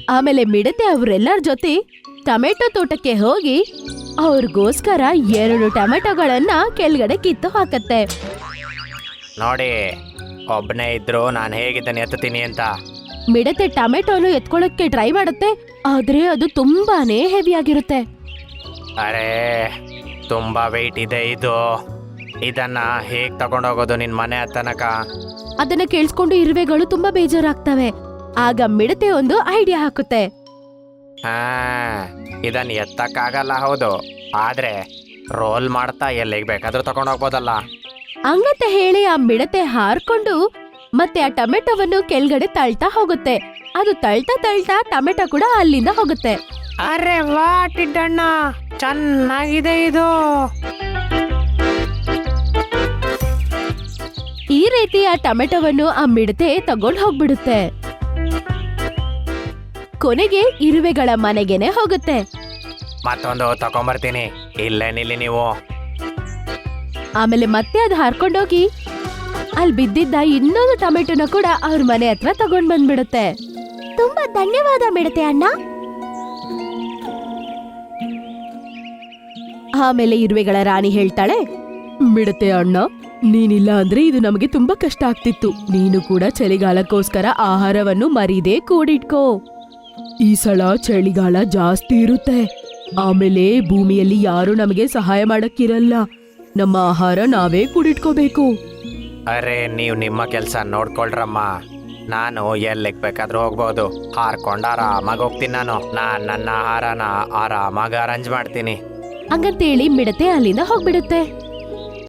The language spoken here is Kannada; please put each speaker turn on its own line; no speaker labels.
ಆಮೇಲೆ ಮಿಡತೆ ಅವ್ರೆಲ್ಲರ ಜೊತೆ ಟೊಮೆಟೊ ತೋಟಕ್ಕೆ ಹೋಗಿ ಅವ್ರಿಗೋಸ್ಕರ 2 ಟೊಮೆಟೊಗಳನ್ನ ಕೆಳಗಡೆ ಕಿತ್ತು ಹಾಕತ್ತೆ.
ನೋಡಿ, ಒಬ್ಬನೇ ಇದ್ರು ನಾನು ಹೇಗಿದ್ದಾನೆ ಎತ್ತೀನಿ ಅಂತ.
ಮಿಡತೆ ಟೊಮೆಟೊನು ಎತ್ಕೊಳ್ಳೋಕೆ ಟ್ರೈ ಮಾಡುತ್ತೆ, ಆದ್ರೆ ಅದು ತುಂಬಾನೇ ಹೆವಿ ಆಗಿರುತ್ತೆ.
ಅರೇ, ತುಂಬಾ ವೆಯ್ಟ್ ಇದೆ ಇದು. ಇದನ್ನ ಹೇಗ್ ತಗೊಂಡೋಗೋದು ನಿನ್ ಮನೆ ತನಕ?
ಅದನ್ನ ಕೇಳಿಸ್ಕೊಂಡು ಇರುವೆಗಳು ತುಂಬಾ ಬೇಜಾರಾಗ್ತವೆ. ಆಗ ಮಿಡತೆ ಒಂದು ಐಡಿಯಾ ಹಾಕುತ್ತೆ.
ಹಾ, ಇದನ್ನ ಎತ್ತಕ್ಕಾಗಲ್ಲ, ಹೌದು, ಆದ್ರೆ ರೋಲ್ ಮಾಡ್ತಾ ಎಲ್ಲಿಗೆ ಬೇಕಾದ್ರೂ ತಗೊಂಡೋಗ್ಬೋದಲ್ಲ.
ಹಂಗಂತ ಹೇಳಿ ಆ ಮಿಡತೆ ಹಾರ್ಕೊಂಡು ಮತ್ತೆ ಆ ಟೊಮೆಟೊವನ್ನು ಕೆಳಗಡೆ ತಳ್ತಾ ಹೋಗುತ್ತೆ. ಅದು ತಳ್ತಾ ತಳ್ತಾ ಟೊಮೆಟೊ ಕೂಡ ಅಲ್ಲಿಂದ ಹೋಗುತ್ತೆ.
ಅರೆ ವಾ ಟಿಡ್ಡಣ್ಣ, ಚೆನ್ನಾಗಿದೆ ಇದು.
ಈ ರೀತಿ ಆ ಟೊಮೆಟೊವನ್ನು ಆ ಮಿಡತೆ ತಗೊಂಡ್ ಹೋಗ್ಬಿಡುತ್ತೆ. ಕೊನೆಗೆ ಇರುವೆಗಳ ಮನೆಗೆನೆ ಹೋಗುತ್ತೆ.
ಮತ್ತೊಂದು ತಗೊಂಬರ್ತೀನಿ, ಇಲ್ಲೇ ನಿಲ್ಲಿ ನೀವು.
ಆಮೇಲೆ ಮತ್ತೆ ಅದು ಹಾರ್ಕೊಂಡೋಗಿ ಅಲ್ಲಿ ಬಿದ್ದಿದ್ದ ಇನ್ನೊಂದು ಟೊಮೆಟೊನ ಕೂಡ ಅವ್ರ ಮನೆ ಹತ್ರ ತಗೊಂಡ್ ಬಂದ್ಬಿಡುತ್ತೆ. ತುಂಬಾ ಧನ್ಯವಾದ ಮಿಡತೆ ಅಣ್ಣ. ಆಮೇಲೆ ಇರುವೆಗಳ ರಾಣಿ ಹೇಳ್ತಾಳೆ, ಮಿಡತೆ ಅಣ್ಣ, ನೀನಿಲ್ಲ ಅಂದ್ರೆ ಇದು ನಮಗೆ ತುಂಬಾ ಕಷ್ಟ ಆಗ್ತಿತ್ತು. ನೀನು ಕೂಡ ಚಳಿಗಾಲಕ್ಕೋಸ್ಕರ ಆಹಾರವನ್ನು ಮರೀದೆ ಕೂಡಿಟ್ಕೋ. ಈ ಸಲ ಚಳಿಗಾಲ ಜಾಸ್ತಿ ಇರುತ್ತೆ. ಆಮೇಲೆ ಭೂಮಿಯಲ್ಲಿ ಯಾರು ನಮಗೆ ಸಹಾಯ ಮಾಡಕ್ಕಿರಲ್ಲ. ನಮ್ಮ ಆಹಾರ ನಾವೇ ಕೂಡಿಟ್ಕೋಬೇಕು.
ಅರೆ, ನೀವು ನಿಮ್ಮ ಕೆಲಸ ನೋಡ್ಕೊಳ್ರಮ್ಮ. ನಾನು ಎಲ್ಲಿಗೆ ಬೇಕಾದ್ರೂ ಹೋಗ್ಬೋದು. ಹಾರ್ಕೊಂಡು ಆರಾಮಾಗಿ ಹೋಗ್ತೀನಿ. ನಾನು ನನ್ನ ಆಹಾರನ ಆರಾಮಾಗಿ ಅರೇಂಜ್ ಮಾಡ್ತೀನಿ.
ಹಂಗಂತೇಳಿ ಮಿಡತೆ ಅಲ್ಲಿಂದ ಹೋಗ್ಬಿಡುತ್ತೆ.